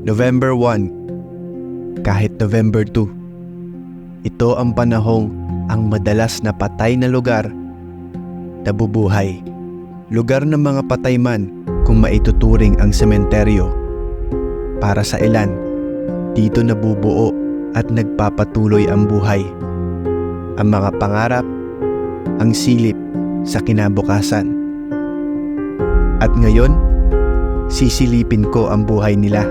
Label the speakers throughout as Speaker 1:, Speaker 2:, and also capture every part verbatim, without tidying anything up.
Speaker 1: November one, kahit November two. Ito ang panahong ang madalas na patay na lugar nabubuhay. Lugar ng mga patay man kung maituturing ang sementeryo. Para sa ilan, dito nabubuo at nagpapatuloy ang buhay. Ang mga pangarap, ang silip sa kinabukasan. At ngayon, sisilipin ko ang buhay nila.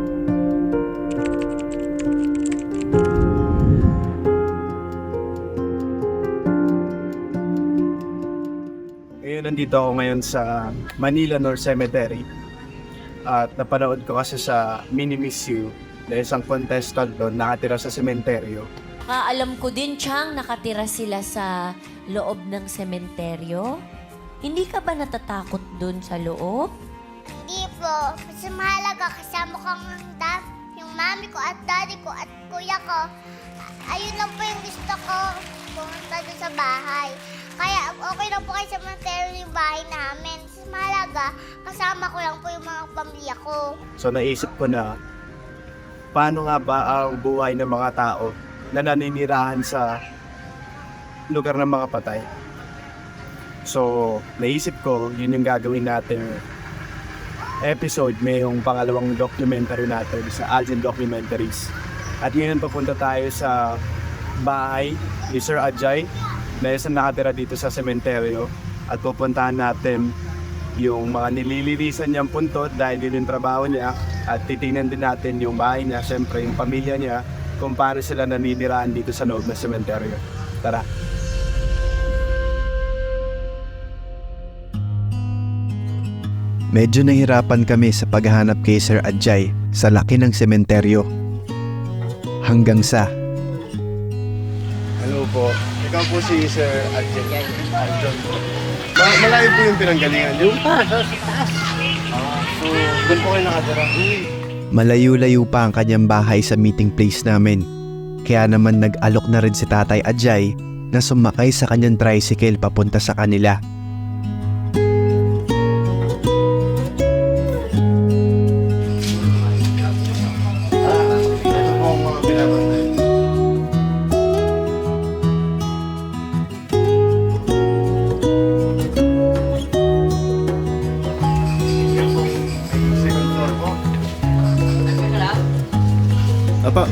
Speaker 2: Ngayon, nandito ako ngayon sa Manila North Cemetery. At napanood ko kasi sa Mini Miss You na isang contestant doon nakatira sa sementeryo.
Speaker 3: Kaalam ko din, Chang, nakatira sila sa loob ng sementeryo. Hindi ka ba natatakot dun sa loob?
Speaker 4: Hindi po. Kasi mahalaga kasama ko ang dad, yung mami ko at daddy ko at kuya ko. Ayun lang po yung gusto ko, pumunta doon sa bahay. Kaya okay lang po kayo sa cemetery yung bahay namin. Kasi mahalaga, kasama ko lang po yung mga pamilya ko.
Speaker 2: So naisip ko na, paano nga ba ang buhay ng mga tao na naninirahan sa lugar ng mga patay? So, naisip ko, yun yung gagawin natin episode, may yung pangalawang documentary natin sa Algin Documentaries. At yun, papunta tayo sa bahay ni Sir Ajay na isang nakatira dito sa sementeryo at pupuntahan natin yung mga nililinisan niyang puntot dahil yun yung trabaho niya at titingnan din natin yung bahay niya, siyempre yung pamilya niya kung paano sila naninirahan dito sa loob ng sementeryo. Tara!
Speaker 1: Medyo nahirapan kami sa paghahanap kay Sir Ajay sa laki ng sementeryo. Hanggang sa...
Speaker 2: Hello po. Ikaw po si Sir Ajay. Arjon po. Ma- malayo po yung pinanggalingan niyo?
Speaker 5: Ah, so sa taas.
Speaker 2: Ah, so doon po kayo nakatira?
Speaker 1: Malayo-layo pa ang kanyang bahay sa meeting place namin. Kaya naman nag-alok na rin si Tatay Ajay na sumakay sa kanyang tricycle papunta sa kanila.
Speaker 2: Ito po ang mga pinabantay. Second floor po. Apa?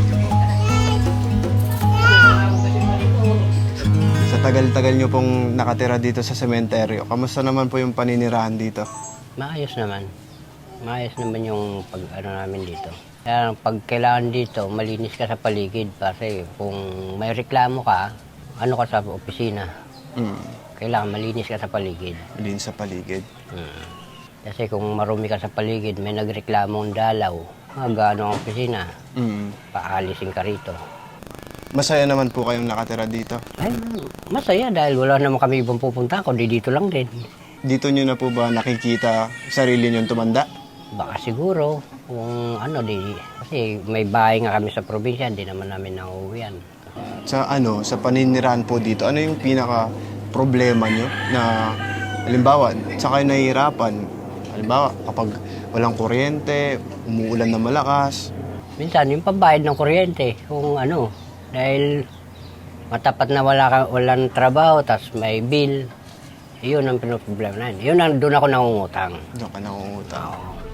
Speaker 6: Sa tagal-tagal nyo pong nakatira dito sa sementeryo, kamusta naman po yung paninirahan dito?
Speaker 5: Maayos naman. Maayos naman yung pag ano namin dito. Kaya pag kailangan dito, malinis ka sa paligid kasi kung may reklamo ka, ano ka sa opisina,
Speaker 6: Mm,
Speaker 5: kailangan malinis ka sa paligid.
Speaker 6: din sa paligid.
Speaker 5: Hmm. Kasi kung marumi ka sa paligid, may nagreklamong dalaw, magano ang opisina,
Speaker 6: Mm.
Speaker 5: paalisin ka rito.
Speaker 6: Masaya naman po kayong nakatira dito.
Speaker 5: Ay, masaya dahil wala naman kami ibang pupunta, kundi dito lang din.
Speaker 6: Dito nyo na po ba nakikita sarili nyo tumanda?
Speaker 5: Baka siguro, kung ano, di, kasi may bahay nga kami sa probinsya, hindi naman namin nauuwian.
Speaker 6: Sa ano, sa paninirahan po dito, ano yung pinaka problema nyo na halimbawa, sa kayo nahihirapan? Halimbawa, kapag walang kuryente, umuulan na malakas.
Speaker 5: Minsan, yung pambayad ng kuryente, kung ano, dahil matapat na wala ka, walang trabaho, tas may bill, yun ang pinoproblema na yun. Yun ang doon ako nangungutang.
Speaker 6: Doon ka nangungutang.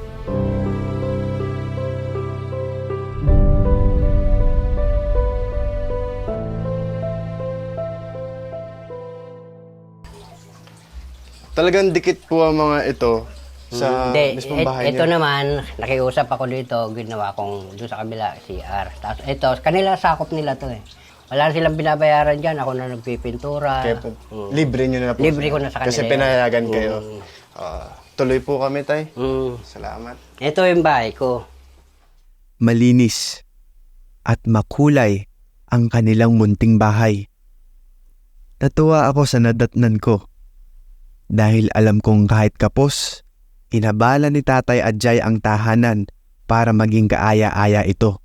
Speaker 6: Talagang dikit po ang mga ito sa
Speaker 5: Hindi,
Speaker 6: mismong
Speaker 5: et-
Speaker 6: bahay
Speaker 5: ito
Speaker 6: niyo.
Speaker 5: naman, nakiusap ako dito, ginawa kong doon sa kabila, C R. Tapos ito, kanila sakop nila to eh. Wala silang binabayaran dyan, ako na nagpipintura.
Speaker 6: Kaya po,
Speaker 5: Mm.
Speaker 6: libre nyo na po.
Speaker 5: Libre ko na sa kanila
Speaker 6: Kasi
Speaker 5: yan.
Speaker 6: pinayagan kayo.
Speaker 5: Mm.
Speaker 6: Ah, tuloy po kami, tay.
Speaker 5: Mm.
Speaker 6: Salamat.
Speaker 5: Ito yung bahay ko.
Speaker 1: Malinis at makulay ang kanilang munting bahay. Natuwa ako sa nadatnan ko dahil alam kong kahit kapos, inabala ni Tatay Ajay ang tahanan para maging kaaya-aya ito.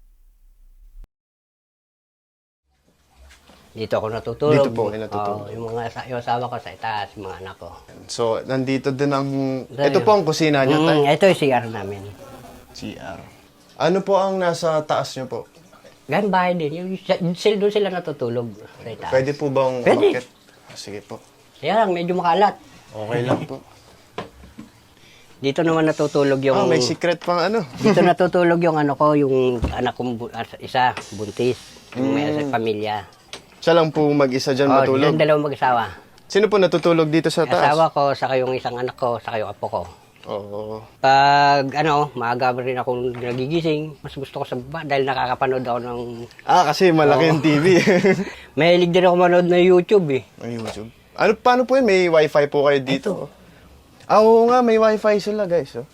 Speaker 5: Dito ako natutulog.
Speaker 6: Dito po kayo natutulog.
Speaker 5: Oo, yung mga asa- yung asawa ko sa itaas, yung mga anak ko.
Speaker 6: So, nandito din ang...
Speaker 5: Dahil-
Speaker 6: Ito po ang kusina nyo, tay.
Speaker 5: Mm, ito yung C R namin.
Speaker 6: C R. Ano po ang nasa taas nyo po?
Speaker 5: Gan bahay din. Yung, sila, doon sila natutulog. Sa itaas.
Speaker 6: Pwede po bang
Speaker 5: Pwede.
Speaker 6: umakyat? Ah, sige po.
Speaker 5: Kaya lang, medyo makalat.
Speaker 6: Okay lang po.
Speaker 5: Dito naman natutulog yung...
Speaker 6: Ah, may secret pang ano.
Speaker 5: Dito natutulog yung ano ko, yung anak kong bu- ah, isa, buntis. Yung may
Speaker 6: Mm.
Speaker 5: pamilya.
Speaker 6: Siya lang po mag-isa dyan
Speaker 5: Oh,
Speaker 6: matulog.
Speaker 5: yung dalawang mag-asawa.
Speaker 6: Sino po natutulog dito sa taas?
Speaker 5: Asawa ko, saka yung isang anak ko, saka yung apo ko.
Speaker 6: Oo.
Speaker 5: Pag ano, maaga rin ako nagigising, mas gusto ko sa baba dahil nakakapanood ako ng...
Speaker 6: Ah, kasi malaki yung T V.
Speaker 5: Mahilig din ako manood ng YouTube eh.
Speaker 6: Ay, YouTube. Ano, paano po yun? May wifi po kayo dito? Ah, oo nga, may wifi sila guys. Oh.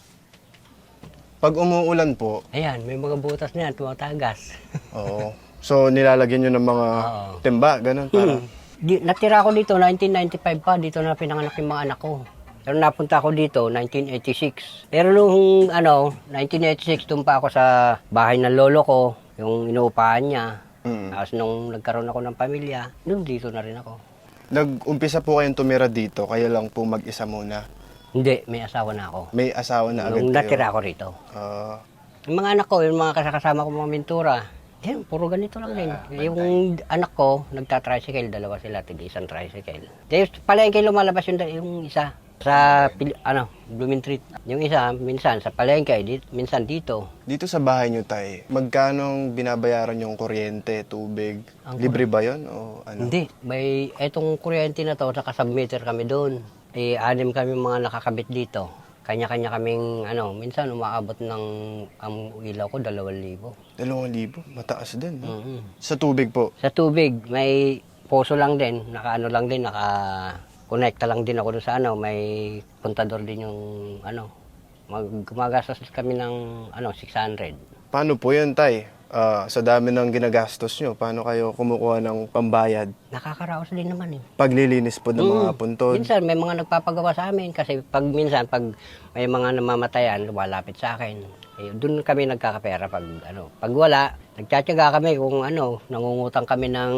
Speaker 6: Pag umuulan po,
Speaker 5: Ayan, may mga butas na yan, tumatagas.
Speaker 6: oo. So, nilalagyan nyo ng mga
Speaker 5: Oo.
Speaker 6: timba, ganun. Para.
Speaker 5: Hmm. Di, natira ako dito, nineteen ninety-five pa, dito na pinanganak yung mga anak ko. Pero napunta ako dito, nineteen eighty-six. Pero nung, ano, nineteen eighty-six, doon pa ako sa bahay ng lolo ko, yung inuupahan niya.
Speaker 6: Mm.
Speaker 5: Tapos nung nagkaroon ako ng pamilya, doon dito na rin ako.
Speaker 6: Nag-umpisa po kayong tumira dito, kayo lang po mag-isa muna.
Speaker 5: Hindi, may asawa na ako.
Speaker 6: May asawa na agad
Speaker 5: Nung
Speaker 6: kayo.
Speaker 5: natira ako rito.
Speaker 6: Ah,
Speaker 5: Yung mga anak ko, yung mga kasakasama ko mga mentura, yan, puro ganito lang din. Yung anak ko, nagta-tricycle, dalawa sila, tig isang tricycle. Tapos palengke lumalabas yung, yung isa sa, Pil- ano, Blooming Street. Yung isa, minsan sa palengke, di, minsan dito.
Speaker 6: dito sa bahay nyo, tay, magkano binabayaran yung kuryente, tubig?
Speaker 5: Ang
Speaker 6: Libre ba yun? O ano?
Speaker 5: Hindi, may, etong kuryente na to, naka-submeter kami doon. Eh, anim kami mga nakakabit dito. Kanya-kanya kaming, ano, minsan umaabot ng, ang ilaw ko, dalawang libo.
Speaker 6: Dalawang libo? Mataas din. No?
Speaker 5: Mhm.
Speaker 6: Sa tubig po?
Speaker 5: Sa tubig, may poso lang din, naka-ano lang din, naka-connecta lang din ako doon sa ano, may kontador din yung, ano, mag gumagastos kami ng, ano, six hundred.
Speaker 6: Paano po yun, tay? Ah, sa dami ng ginagastos nyo, paano kayo kumukuha ng pambayad?
Speaker 5: Nakakaraos din naman eh.
Speaker 6: Paglilinis po ng mga
Speaker 5: Mm.
Speaker 6: puntod?
Speaker 5: Minsan may mga nagpapagawa sa amin kasi pag minsan pag may mga namamatayan lumalapit sa akin. Eh, doon kami nagkakapera pag ano. Pag wala, nagtsatsaga kami kung ano, nangungutang kami ng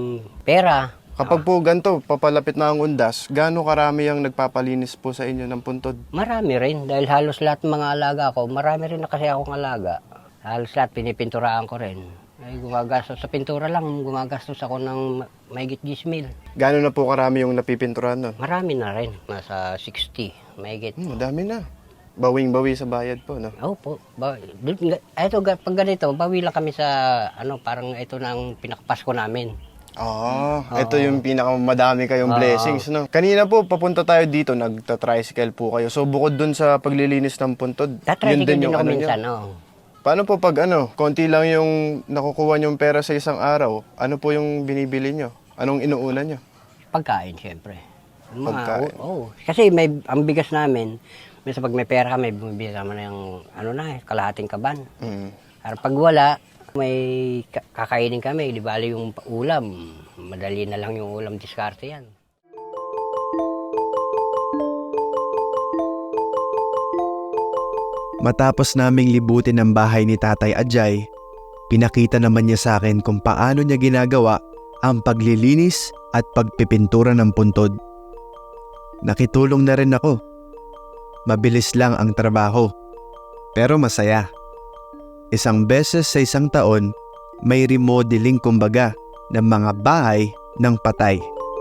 Speaker 5: pera.
Speaker 6: Kapag po ganito, papalapit na ang undas, gaano karami ang nagpapalinis po sa inyo ng puntod?
Speaker 5: Marami rin dahil halos lahat ng mga alaga ko, marami rin na kasi akong alaga. Halos lahat pinipinturaan ko rin. Ay, gumagastos sa pintura lang, gumagastos ako ng ma- mahigit ten mil.
Speaker 6: Gaano na po karami yung napipinturahan nun?
Speaker 5: Marami na rin, nasa sixty, mahigit.
Speaker 6: Hmm, madami na. Bawing-bawi sa bayad po, no?
Speaker 5: Opo. Ba, dun- ga- ito, ga- pag ganito, bawi lang kami sa, ano, parang ito na ang pinakapasko namin.
Speaker 6: Ah, ito yung pinakamadami kayong
Speaker 5: Oo.
Speaker 6: blessings, no? Kanina po, papunta tayo dito, nagta-tricycle po kayo. So, bukod dun sa paglilinis ng puntod,
Speaker 5: Tatricycle din ako
Speaker 6: ano
Speaker 5: minsan,
Speaker 6: nyo.
Speaker 5: oh.
Speaker 6: Paano po pag ano, konti lang yung nakukuha nyong pera sa isang araw, ano po yung binibili nyo? Anong inuuna nyo?
Speaker 5: Pagkain, siyempre. Yung mga-
Speaker 6: Pagkain.
Speaker 5: Oo. Oh, kasi may, ang bigas namin, minsan pag may pera kami, bumibili naman ng, ano na, eh, kalahating kaban.
Speaker 6: Mm.
Speaker 5: Pero pag wala, may ka- kakainin kami, di bali yung ulam. Madali na lang yung ulam, diskarte yan.
Speaker 1: Matapos naming libutin ang bahay ni Tatay Ajay, pinakita naman niya sa akin kung paano niya ginagawa ang paglilinis at pagpipintura ng puntod. Nakitulong na rin ako. Mabilis lang ang trabaho, pero masaya. Isang beses sa isang taon, may remodeling kumbaga ng mga bahay ng patay.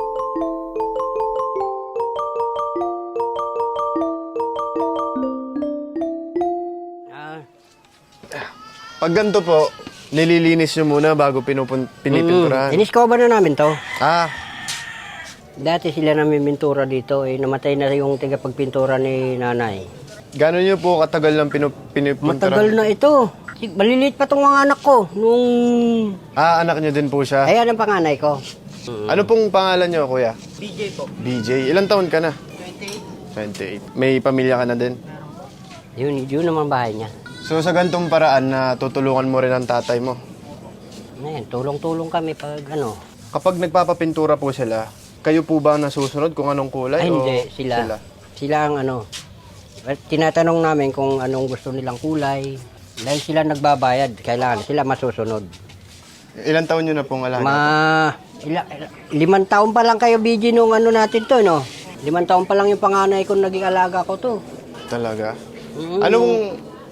Speaker 5: Ah,
Speaker 6: Pag ganito po, nililinis nyo muna bago pinupun- pinipinturahan.
Speaker 5: mm, iniskoba na namin to.
Speaker 6: Ah,
Speaker 5: Dati sila namin pintura dito, eh, namatay na yung tigapagpintura ni nanay.
Speaker 6: gano'n nyo po katagal lang pinup- pinipinturahan?
Speaker 5: Matagal na ito. Si- Maliliit pa tong mga anak ko. Nung...
Speaker 6: Ah, anak nyo din po siya.
Speaker 5: Ayan ang panganay ko.
Speaker 6: Ano pong pangalan nyo, kuya?
Speaker 5: B J po.
Speaker 6: B J. Ilang taon ka na?
Speaker 5: twenty-eight.
Speaker 6: twenty-eight. May pamilya ka na din?
Speaker 5: Yun, yun naman bahay niya.
Speaker 6: So sa gantong paraan na tutulungan mo rin ang tatay mo.
Speaker 5: Ayan, tulong-tulong kami pag ano.
Speaker 6: Kapag nagpapapintura po sila, kayo po ba nasusunod kung anong kulay?
Speaker 5: Ay,
Speaker 6: o
Speaker 5: hindi. Sila. Sila ang ano. Tinatanong namin kung anong gusto nilang kulay. Dahil sila nagbabayad, kailangan sila masusunod.
Speaker 6: Ilang taon nyo na pong alaga?
Speaker 5: Ma... Ila, ila- limang taon pa lang kayo, B G, nung ano natin to, no? Limang taon pa lang yung panganay ko naging alaga ko to.
Speaker 6: Talaga?
Speaker 5: Mm.
Speaker 6: Anong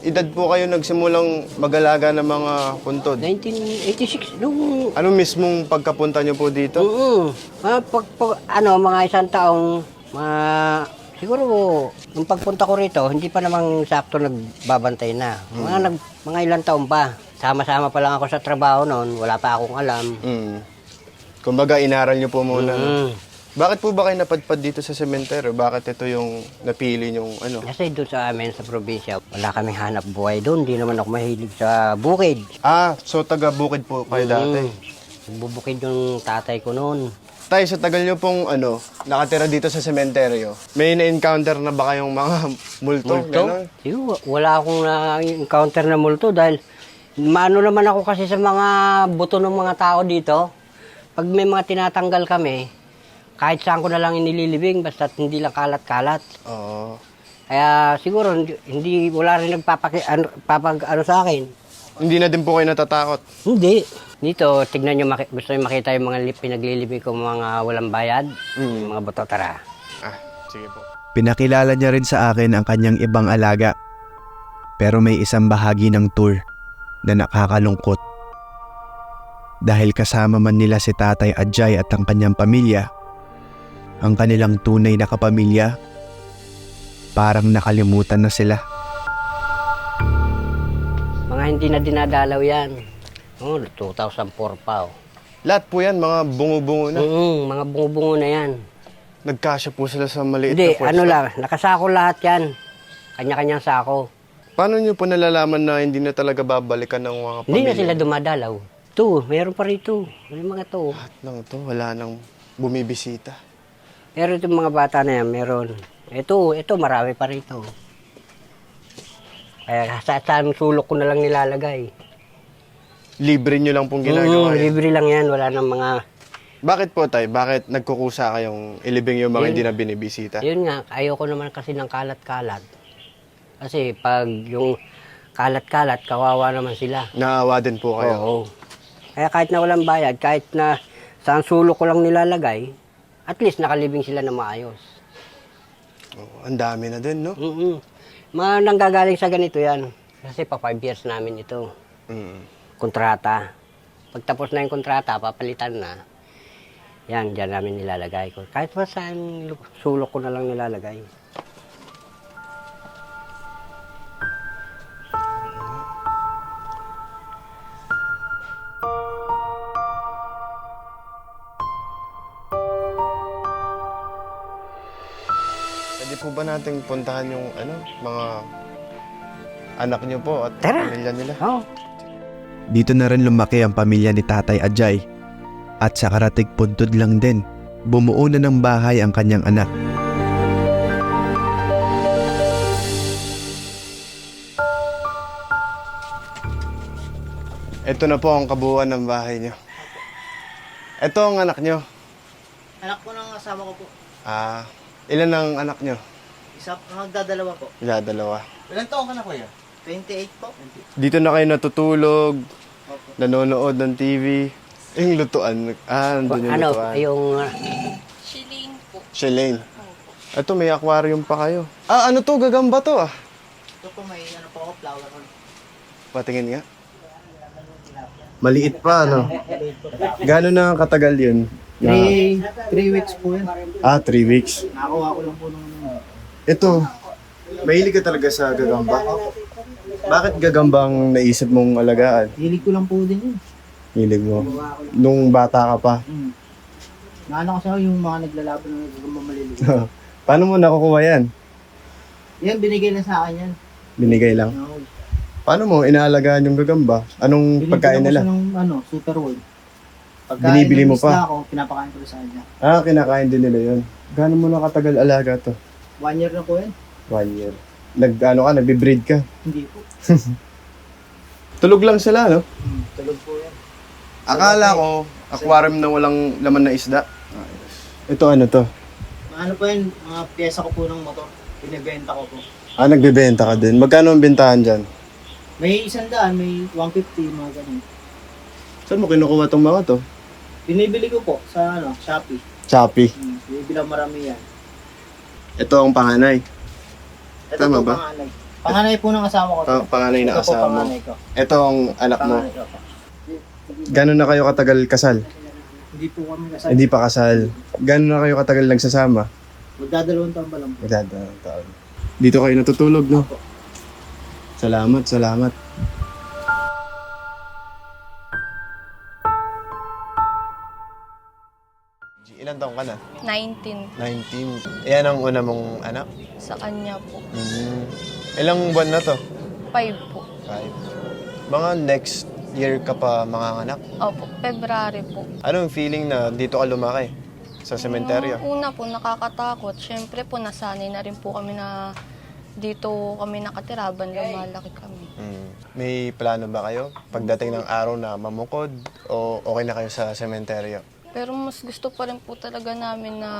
Speaker 6: edad po kayo nagsimulang mag-alaga ng mga puntod?
Speaker 5: nineteen eighty-six, nung
Speaker 6: Ano mismong pagkapunta nyo po dito?
Speaker 5: Oo. Mga pag, pag- ano, mga isang taong, mga, siguro, nung pagpunta ko rito, hindi pa namang sakto nagbabantay na. Mga, nag, mga ilang taon pa. Sama-sama pa lang ako sa trabaho noon, wala pa akong alam.
Speaker 6: Mm. Kumbaga, inaral nyo po muna. no?
Speaker 5: Mm.
Speaker 6: Bakit po ba kayo napadpad dito sa sementeryo? Bakit ito yung napili nyong ano?
Speaker 5: Kasi doon sa amin, sa probinsya, wala kaming hanap buhay doon. Hindi naman ako mahilig sa bukid.
Speaker 6: Ah, so taga-bukid po kayo dati.
Speaker 5: Mm. Bubukid yung tatay ko noon.
Speaker 6: Tay, sa tagal nyo pong ano, nakatira dito sa sementeryo, may na-encounter na ba kayong mga multo?
Speaker 5: Multo?
Speaker 6: Ganon?
Speaker 5: Siguro, wala akong na-encounter na multo dahil maano naman ako kasi sa mga buto ng mga tao dito. Pag may mga tinatanggal kami, kahit saan ko na lang inililibing, basta hindi lang kalat-kalat.
Speaker 6: Oo.
Speaker 5: Kaya siguro, hindi, hindi wala rin nagpapaki, ano, papag, ano sa akin.
Speaker 6: Hindi na din po kayo natatakot.
Speaker 5: Hindi. Dito, tignan nyo, maki, gusto nyo makita yung mga lip, pinaglilibing ko mga walang bayad,
Speaker 6: Mm.
Speaker 5: yung mga buto, tara.
Speaker 6: Ah, sige po.
Speaker 1: Pinakilala niya rin sa akin ang kanyang ibang alaga. Pero may isang bahagi ng tour na nakakalungkot. Dahil kasama man nila si Tatay Adjay at ang kanyang pamilya, ang kanilang tunay na kapamilya, parang nakalimutan na sila.
Speaker 5: Mga hindi na dinadalaw yan. Oh, two thousand four pa, oh.
Speaker 6: Lahat po yan, mga bungo-bungo na.
Speaker 5: Mm, mga bungo-bungo na yan.
Speaker 6: Nagkasya po sila sa maliit
Speaker 5: Hindi,
Speaker 6: na pwesto.
Speaker 5: ano lang, nakasako lahat yan. Kanya-kanyang sako.
Speaker 6: Paano nyo po nalalaman na hindi na talaga babalikan ng mga pamilya?
Speaker 5: Hindi na sila dumadalaw. Ito, meron pa rito. May mga to.
Speaker 6: Lahat ng to, wala nang bumibisita.
Speaker 5: Pero itong mga bata na yan, meron. Ito, ito, marami pa rito. Kaya sa saan sulok ko na lang nilalagay.
Speaker 6: Libre nyo lang pong
Speaker 5: Mm,
Speaker 6: ginagawa. yan.
Speaker 5: libre lang yan, wala nang mga...
Speaker 6: Bakit po tay? Bakit nagkukusa kayong ilibing yung mga
Speaker 5: Yun.
Speaker 6: hindi na binibisita?
Speaker 5: Yun nga, ayoko naman kasi ng kalat-kalat. Kasi pag yung kalat-kalat, kawawa naman sila.
Speaker 6: Naawa din po kayo.
Speaker 5: Oo. Kaya kahit na walang bayad, kahit na saan sulok ko lang nilalagay, at least nakalibing sila na maayos.
Speaker 6: Oo, ang dami na din, no?
Speaker 5: Mm-mm. Mga nanggagaling sa ganito yan. Kasi pa five years namin ito.
Speaker 6: Mm.
Speaker 5: Kontrata. Pagtapos na yung kontrata, papalitan na. Yan, dyan namin nilalagay ko. Kahit pa saan lu- sulok ko na lang nilalagay.
Speaker 6: Pwede po ba nating puntahan yung ano, mga anak nyo po at
Speaker 5: Tara.
Speaker 6: pamilya nila?
Speaker 5: Oh,
Speaker 1: Dito na rin lumaki ang pamilya ni Tatay Adjay. At sa karatig puntod lang din, bumuo na ng bahay ang kanyang anak.
Speaker 6: Ito na po ang kabuuan ng bahay nyo. Ito ang anak nyo.
Speaker 7: Anak po ng asawa ko po.
Speaker 6: Ah, ilan ang anak nyo?
Speaker 7: Isa, magdadalawa po.
Speaker 6: Ila, dalawa.
Speaker 7: Ilan taon ka na kuya? twenty-eight po.
Speaker 6: Dito na kayo natutulog, nanonood ng T V. Yung lutuan. Ah, nandun yung
Speaker 5: ano,
Speaker 6: lutuan.
Speaker 5: yung... uh,
Speaker 6: Shalane. Ito, may aquarium pa kayo. Ah, ano to? Gagamba to ah.
Speaker 7: Ito po may ano po ako, flower roll.
Speaker 6: Patingin nga. Maliit pa, ano? Gano'n na katagal yun? Na-
Speaker 7: Three, three weeks po yan.
Speaker 6: Ah, three weeks.
Speaker 7: Nakakuha ko lang po nung ano.
Speaker 6: Ito, mahilig ka talaga sa gagamba. Bakit gagamba ang naisip mong alagaan?
Speaker 7: Hilig ko lang po din yun.
Speaker 6: Hilig mo. Nung bata ka pa.
Speaker 7: Hmm. Naano kasi ako yung mga naglalaban ng gagamba maliliit.
Speaker 6: Paano mo nakukuha yan?
Speaker 7: Yan, binigay na sa akin yan.
Speaker 6: Binigay lang.
Speaker 7: Ano,
Speaker 6: Paano mo inaalagaan yung gagamba? Anong pagkain nila?
Speaker 7: Binibili ko siya ng ano, super world. Pagkain
Speaker 6: Binibili
Speaker 7: ng
Speaker 6: mo
Speaker 7: isda
Speaker 6: pa?
Speaker 7: ako, pinapakain ko rin sa kanya.
Speaker 6: Ah, kinakain din nila yun. Gano'n mo na katagal alaga to?
Speaker 7: One year na po yan.
Speaker 6: One year. Nag, ano ka, nagbe-breed ka?
Speaker 7: Hindi po.
Speaker 6: Tulog lang sila, no?
Speaker 7: Hmm, tulog po yan.
Speaker 6: Akala ko, aquarium na walang laman na isda. Ito ano to?
Speaker 7: Mga ano po yan, mga pyesa ko po ng motor. Binibenta ko po.
Speaker 6: Ah, nagbebenta ka din. Magkano ang bentahan dyan?
Speaker 7: May isang daan, may one fifty, mga ganun.
Speaker 6: Saan mo kinukuha tong mga to?
Speaker 7: Binibili ko po sa ano, Shopee.
Speaker 6: Shopee.
Speaker 7: Hmm, binibili ako marami yan.
Speaker 6: Ito ang panganay.
Speaker 7: Ito
Speaker 6: Tama
Speaker 7: po
Speaker 6: ba?
Speaker 7: panganay. Panganay po ng asawa ko. to.
Speaker 6: Oh, panganay na
Speaker 7: Ito po,
Speaker 6: asawa mo.
Speaker 7: panganay ko.
Speaker 6: Etong anak mo.
Speaker 7: Panganay ko po.
Speaker 6: Gano'n na kayo katagal kasal?
Speaker 7: Hindi po kami kasal.
Speaker 6: Hindi pa kasal. Gano'n na kayo katagal nagsasama?
Speaker 7: Magdadalawang taon pa lang po.
Speaker 6: Magdadalawang taon. Dito kayo natutulog, no? Salamat, salamat. Ilan taong ka na?
Speaker 8: nineteen
Speaker 6: nineteen. Yan ang una mong anak?
Speaker 8: sa kanya po.
Speaker 6: Mm. Ilang buwan na to?
Speaker 8: five po.
Speaker 6: Five. Mga next year ka pa manganganak?
Speaker 8: Opo, February po.
Speaker 6: Anong feeling na dito ka lumaki? Sa sementeryo?
Speaker 8: Nung una po, nakakatakot. Siyempre po, nasanay na rin po kami na dito kami nakatira, habang lumalaki kami.
Speaker 6: Mm. May plano ba kayo? Pagdating ng araw na mamukod o okay na kayo sa sementeryo?
Speaker 8: Pero mas gusto pa rin po talaga namin na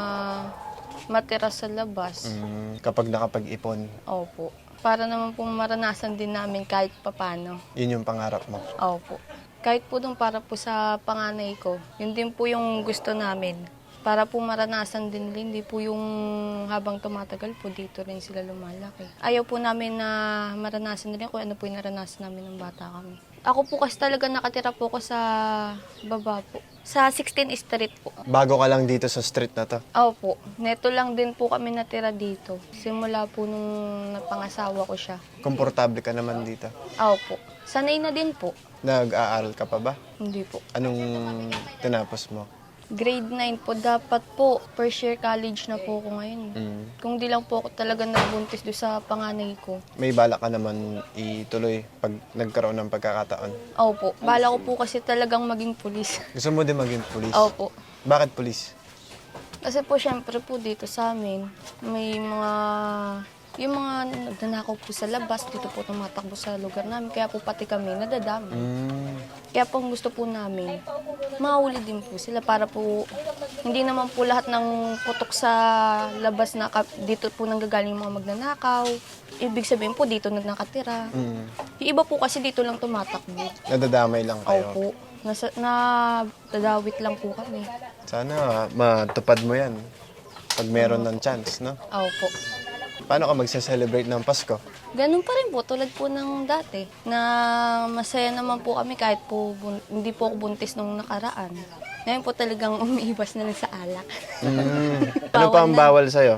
Speaker 8: matira sa labas.
Speaker 6: Mm. Kapag nakapag-ipon,
Speaker 8: Opo. Para naman po maranasan din namin kahit papano.
Speaker 6: yun yung pangarap mo.
Speaker 8: Opo. Kahit po dun para po sa panganay ko, yun din po yung gusto namin. Para po maranasan din nila, hindi po yung habang tumatagal po dito rin sila lumalaki. Ayaw po namin na maranasan nila kung ano po yung naranasan namin ng bata kami. Ako po kasi talaga nakatira po ko sa baba po. Sa sixteenth Street po.
Speaker 6: Bago ka lang dito sa street na to.
Speaker 8: Opo. Neto lang din po kami natira dito. Simula po nung napangasawa ko siya.
Speaker 6: Komportable ka naman dito.
Speaker 8: Opo. Sanay na din po.
Speaker 6: Nag-aaral ka pa ba?
Speaker 8: Hindi po.
Speaker 6: Anong tinapos mo?
Speaker 8: Grade nine po, dapat po, first year college na po ako ngayon.
Speaker 6: Mm.
Speaker 8: Kung di lang po ako talaga nagbuntis doon sa panganay ko.
Speaker 6: May balak ka naman ituloy pag nagkaroon ng pagkakataon.
Speaker 8: Opo, bala ko po kasi talagang maging pulis.
Speaker 6: Gusto mo din maging pulis?
Speaker 8: Opo.
Speaker 6: Bakit pulis?
Speaker 8: Kasi po syempre po dito sa amin, may mga, yung mga nagnanakaw po sa labas, dito po tumatakbo sa lugar namin. Kaya po pati kami nadadami.
Speaker 6: Mm.
Speaker 8: Kaya po ang gusto po namin, mahuli din po sila para po, hindi naman po lahat ng putok sa labas na ka- dito po nanggagaling yung mga magnanakaw. Ibig sabihin po dito nakatira.
Speaker 6: Mm.
Speaker 8: Yung iba po kasi dito lang tumatakbo.
Speaker 6: Nadadamay lang kayo.
Speaker 8: Opo. Nasa, na dadawit lang po kami.
Speaker 6: Sana matupad mo yan pag meron ng chance, no?
Speaker 8: Opo.
Speaker 6: Paano ka magse-celebrate ng Pasko?
Speaker 8: Ganun pa rin po, tulad po ng dati, na masaya naman po kami kahit po bun- hindi po ako buntis nung nakaraan. Ngayon po talagang umiiwas na lang sa alak.
Speaker 6: Mm. ano
Speaker 8: Bawal
Speaker 6: pa ang
Speaker 8: na.
Speaker 6: bawal sa'yo?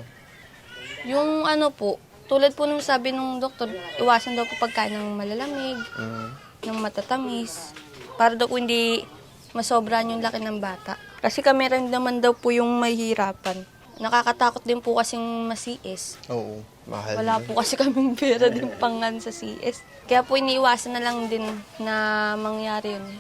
Speaker 8: Yung ano po, tulad po nung sabi nung doktor, iwasan daw po pagkain ng malalamig,
Speaker 6: Mm.
Speaker 8: ng matatamis, para daw po hindi masobran yung laki ng bata. Kasi kami rin naman daw po yung mahihirapan. Nakakatakot din po kasing ma-C S.
Speaker 6: Oo, mahal.
Speaker 8: Wala po kasi kaming pera din pangan sa C S. Kaya po iniiwasan na lang din na mangyari yun.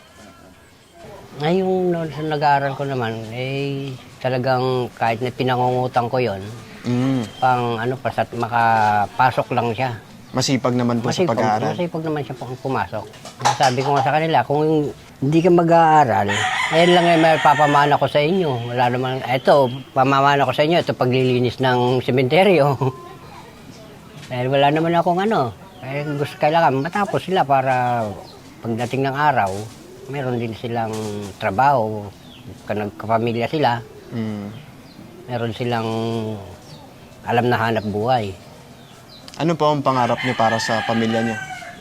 Speaker 5: Ngayong noon sa nag-aaral ko naman, eh talagang kahit na pinangungutang ko yon,
Speaker 6: Mm.
Speaker 5: pang ano, pasat makapasok lang siya.
Speaker 6: Masipag naman po sa
Speaker 5: Masipag,
Speaker 6: pag-aaral.
Speaker 5: masipag naman siya pang pumasok. Sabi ko nga sa kanila, kung hindi ka mag-aaral, ayan lang yung may papamana ko sa inyo. Wala naman, eto, pamamana ko sa inyo, ito paglilinis ng sementeryo. Dahil wala naman akong ano, eh, gusto kailangan matapos sila para pagdating ng araw, meron din silang trabaho, nagkapamilya sila,
Speaker 6: Mm.
Speaker 5: meron silang alam na hanap buhay.
Speaker 6: Ano po ang pangarap niyo para sa pamilya niyo?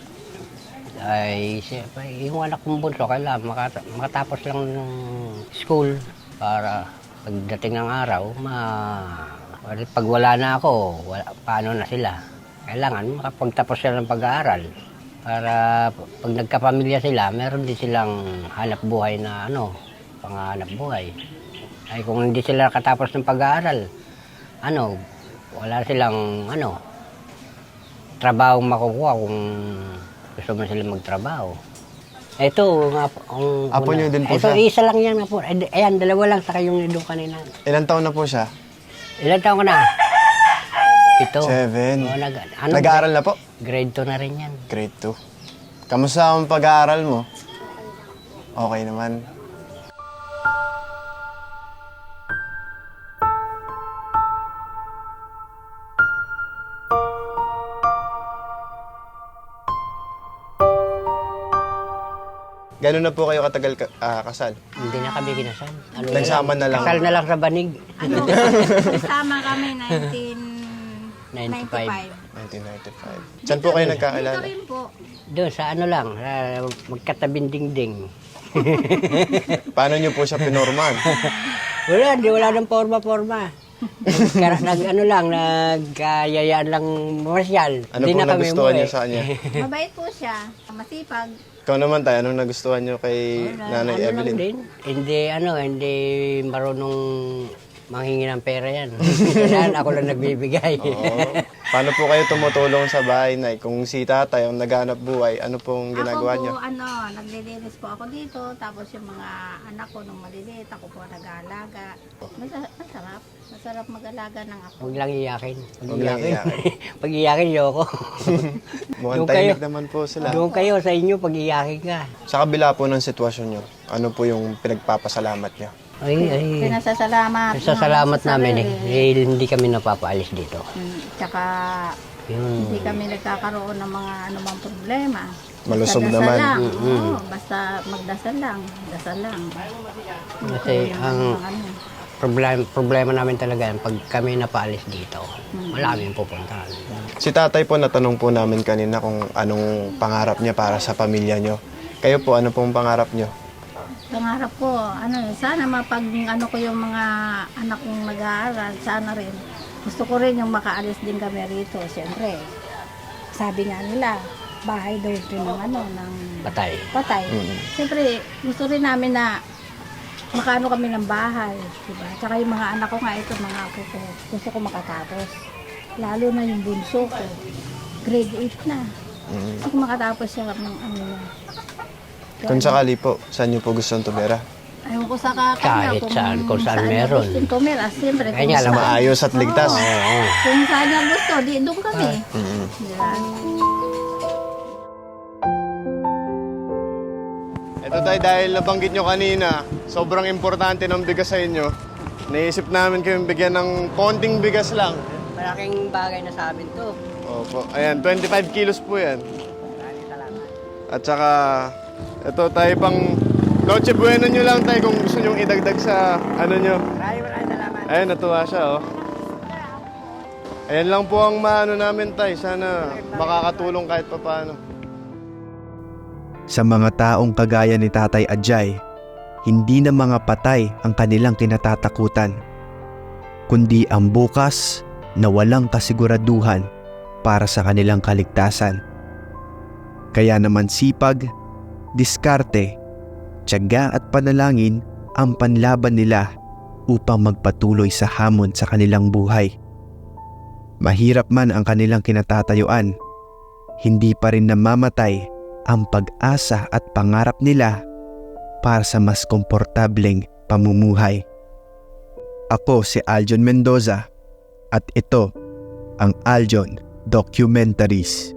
Speaker 5: Ay, siyempre, yung anak kong bunso, kailangan makata- makatapos lang ng school para pagdating ng araw, ma... pag wala na ako, wala, paano na sila? Kailangan makapagtapos sila ng pag-aaral para pag nagkapamilya sila, meron din silang hanap buhay na ano, panghanap buhay. Ay kung hindi sila nakatapos ng pag-aaral, ano, wala silang ano, trabaho makukuha kung gusto mo sila magtrabaho. Ito, nga po, ang...
Speaker 6: Apo niyo din po
Speaker 5: ito,
Speaker 6: siya?
Speaker 5: isa lang yan nga po. Ay, ayan, dalawa lang, saka yung nandun kanina.
Speaker 6: Ilan taon na po siya?
Speaker 5: Ilan taon ka na? Ito.
Speaker 6: Seven.
Speaker 5: Oo, nag, ano,
Speaker 6: Nag-aaral na po?
Speaker 5: Grade two na rin yan.
Speaker 6: Grade two. Kamusta ang pag-aaral mo? Okay naman. Gano'n na po kayo katagal ka- ah, kasal?
Speaker 5: Hindi na kami kinasal. Ano
Speaker 6: Nagsama na lang.
Speaker 5: Kasal na lang sa banig.
Speaker 9: Kasama kami nineteen
Speaker 5: ninety-five.
Speaker 6: nineteen ninety-five. Saan po kayo nagkaalala?
Speaker 5: Doon sa ano lang, sa magkatabing dingding.
Speaker 6: Paano nyo po siya pinorman?
Speaker 5: Wala, di wala ng forma-forma. Nag, nag ano lang, nagkayayaan lang masyal.
Speaker 6: Ano
Speaker 5: Di
Speaker 6: po
Speaker 5: na kami
Speaker 6: nagustuhan
Speaker 5: umuwi.
Speaker 6: nyo sa kanya?
Speaker 9: Mabait po siya, masipag.
Speaker 6: Ikaw naman tayo, anong nagustuhan nyo kay Nanay
Speaker 5: ano lang
Speaker 6: Evelyn?
Speaker 5: din. Hindi, ano, hindi marunong manghingi ng pera yan. Kailangan ako lang nagbibigay.
Speaker 6: Oo. Paano po kayo tumutulong sa bahay, Nay? Kung si tatay ang naghanap buhay, ano pong ginagawa
Speaker 9: ako po,
Speaker 6: niyo?
Speaker 9: ano, naglilinis po ako dito. Tapos yung mga anak ko nung maliliit, ako po nag-aalaga. Masa- Masarap. Masarap mag-alaga ng ako.
Speaker 5: Huwag lang iyakin. Huwag
Speaker 6: Huwag lang
Speaker 5: iyakin. Pag iyakin, yoko.
Speaker 6: Mukhang
Speaker 5: Doon
Speaker 6: tahimik
Speaker 5: kayo.
Speaker 6: naman po sila.
Speaker 5: Doon kayo sa inyo, pag iyakin ka.
Speaker 6: Sa kabila po ng sitwasyon nyo, ano po yung pinagpapasalamat nyo?
Speaker 5: Ay, ay.
Speaker 9: Pinasasalamat.
Speaker 5: Sa salamat namin eh. Dahil hindi kami napapaalis dito.
Speaker 9: Hmm, Tsaka
Speaker 5: Yun.
Speaker 9: hindi kami nagkakaroon ng mga anumang problema.
Speaker 6: Malusog
Speaker 9: Basta
Speaker 6: naman.
Speaker 9: dasal lang.
Speaker 5: Mm-mm.
Speaker 9: Oo, basta magdasal lang. Dasal lang. Yun po
Speaker 5: Kasi
Speaker 9: yung
Speaker 5: ang
Speaker 9: mga ano.
Speaker 5: problema, problema namin talaga yan, pag kami napaalis dito, wala kaming pupuntahan.
Speaker 6: Si tatay po, natanong po namin kanina kung anong pangarap niya para sa pamilya nyo. Kayo po, ano pong pangarap nyo?
Speaker 9: Pangarap ko, ano eh, sana mapag ano ko yung mga anak kong nag-aaral, sana rin. Gusto ko rin yung makaalis din kami rito, siyempre. Sabi nga nila, bahay daw rin ng ano, ng
Speaker 5: Patay.
Speaker 9: patay.
Speaker 6: Mm.
Speaker 9: Siyempre, gusto rin namin na makaano kami ng bahay, diba? Tsaka yung mga anak ko nga ito, mga apo ko, gusto ko makatapos. Lalo na yung bunso ko, grade eight na.
Speaker 6: Mm.
Speaker 9: Gusto ko makatapos siya ng ano niya.
Speaker 6: Kung sakali po, saan nyo po gustong tumira?
Speaker 9: Ayaw ko sa kakanya.
Speaker 5: Kahit saan, kung saan meron.
Speaker 9: Gusto tumira, siyempre.
Speaker 5: Kaya
Speaker 9: kung
Speaker 5: nga lang,
Speaker 9: saan.
Speaker 6: Maayos at ligtas.
Speaker 9: Oo.
Speaker 5: Oo.
Speaker 9: Kung saan niya gusto, di doon kami.
Speaker 6: Mm.
Speaker 9: Diba?
Speaker 6: Ito tayo, dahil nabanggit nyo kanina, sobrang importante ng bigas sa inyo. Naisip namin kayong bigyan ng konting bigas lang.
Speaker 5: Malaking bagay na sa amin to.
Speaker 6: Opo. Ayan, twenty-five kilos po yan.
Speaker 5: Maraming salamat.
Speaker 6: At saka, ito tayo pang Noche Buena nyo lang tayo kung gusto nyong idagdag sa ano nyo.
Speaker 5: Maraming maraming salamat.
Speaker 6: Ayan, natuwa siya, oh. Ayan lang po ang maano namin, tay. Sana makakatulong kahit pa paano.
Speaker 1: Sa mga taong kagaya ni Tatay Ajay, hindi na mga patay ang kanilang kinatatakutan, kundi ang bukas na walang kasiguraduhan para sa kanilang kaligtasan. Kaya naman sipag, diskarte, tiyaga at panalangin ang panlaban nila upang magpatuloy sa hamon sa kanilang buhay. Mahirap man ang kanilang kinatatayuan, hindi pa rin namamatay ang pag-asa at pangarap nila para sa mas komportableng pamumuhay. Ako si Aljon Mendoza at ito ang Aljon Documentaries.